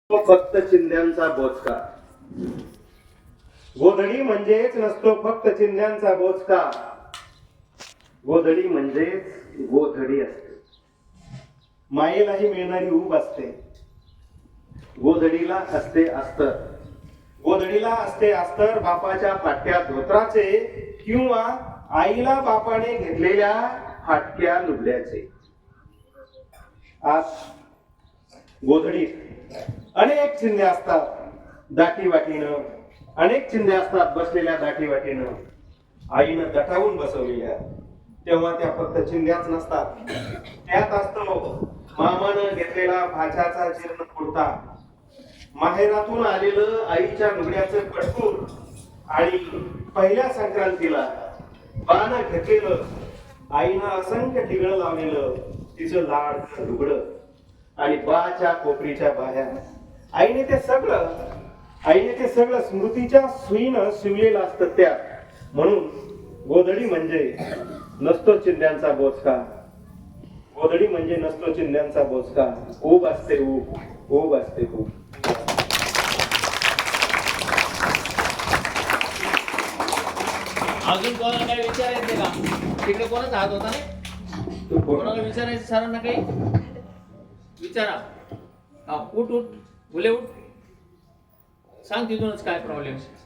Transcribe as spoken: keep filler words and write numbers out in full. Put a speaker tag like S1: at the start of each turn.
S1: तो फक्त चिंध्यांचा बोचका. गोधडी म्हणजेच नसतो फक्त चिंध्यांचा बोचका. गोधडी म्हणजेच गोधडी असते. मायेलाही मिळणारी ऊब असते. गोधडीला असते अस्तर. गोधडीला असते अस्तर बापाच्या फाटक्या धोत्राचे किंवा आईला बापाने घेतलेल्या फाटक्या लुगड्याचे. आज गोधडीत अनेक चिंध्या असतात दाटी वाटीनं. अनेक चिंध्या असतात बसलेल्या दाटी वाटीनं. आईनं दटावून बसवलेल्या. तेव्हा त्या फक्त चिंध्याच नसतात. त्यात असतो मामानं घेतलेला भाच्याचा जीर्ण कुर्ता, माहेरातून आलेलं आईच्या लुगड्याचं पटकून आणि पहिल्या संक्रांतीला बानं घेतलेलं आईनं असंख्य ठिगळं लावलेलं तिचं लाड लुगडं आणि बाच्या कोपरीच्या बाह्या. आईने ते सगळं आईने ते सगळं स्मृतीच्या सुईनं शिवलेलं असतं त्यात. म्हणून गोधडी म्हणजे नसतो चिंध्यांचा बोचका. गोधडी म्हणजे नसतो चिंध्यांचा बोचका. ऊब असते ऊब. ऊब असते ऊब.
S2: अजून कोणाला काही विचारायचं का? तिकडे कोणाचा हात होता नाही? कोणाला विचारायचं सरांना काही विचारा. हा उठ उठ मुले उठ. सांग तिथूनच काय प्रॉब्लेम.